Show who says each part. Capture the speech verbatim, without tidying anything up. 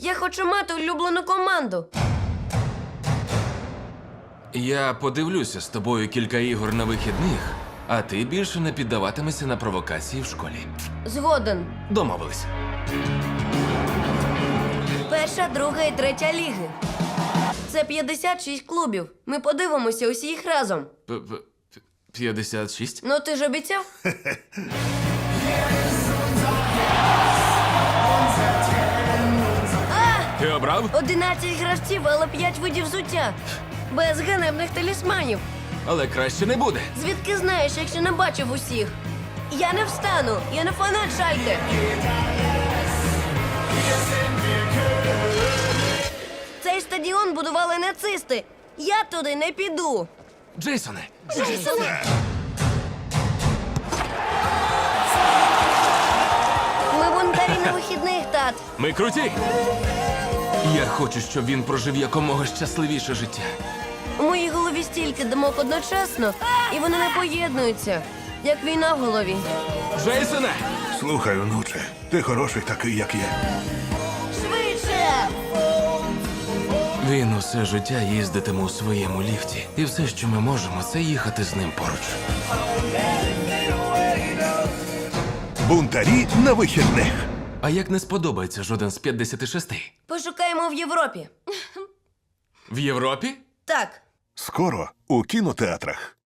Speaker 1: Я хочу мати улюблену команду.
Speaker 2: Я подивлюся з тобою кілька ігор на вихідних, а ти більше не піддаватимешся на провокації в школі.
Speaker 1: Згоден.
Speaker 2: Домовились.
Speaker 1: Перша, друга і третя ліги. Це п'ятдесят шість клубів. Ми подивимося усі їх разом.
Speaker 2: П- п- п'ятдесят шість?
Speaker 1: Ну ти ж обіцяв?
Speaker 2: Ти обрав?
Speaker 1: одинадцять гравців, але п'ять видів взуття. Без ганебних талісманів.
Speaker 2: Але краще не буде.
Speaker 1: Звідки знаєш, якщо не бачив усіх? Я не встану, я не фанат Шальке. Цей стадіон будували нацисти. Я туди не піду.
Speaker 2: Джейсоне,
Speaker 1: Ми бунтарі на вихідних, тат.
Speaker 2: ми круті! Я хочу, щоб він прожив якомога щасливіше життя.
Speaker 1: У моїй голові стільки думок одночасно, і вони не поєднуються, як війна в голові.
Speaker 2: Джейсоне!
Speaker 3: Слухай, онуче, ти хороший такий, як є.
Speaker 1: Швидше!
Speaker 2: Він усе життя їздитиме у своєму ліфті. І все, що ми можемо, це їхати з ним поруч.
Speaker 3: Бунтарі на вихідних.
Speaker 2: А як не сподобається жоден з п'ятдесят шість?
Speaker 1: Пошукаємо в Європі.
Speaker 2: В Європі?
Speaker 1: Так.
Speaker 3: Скоро у кінотеатрах.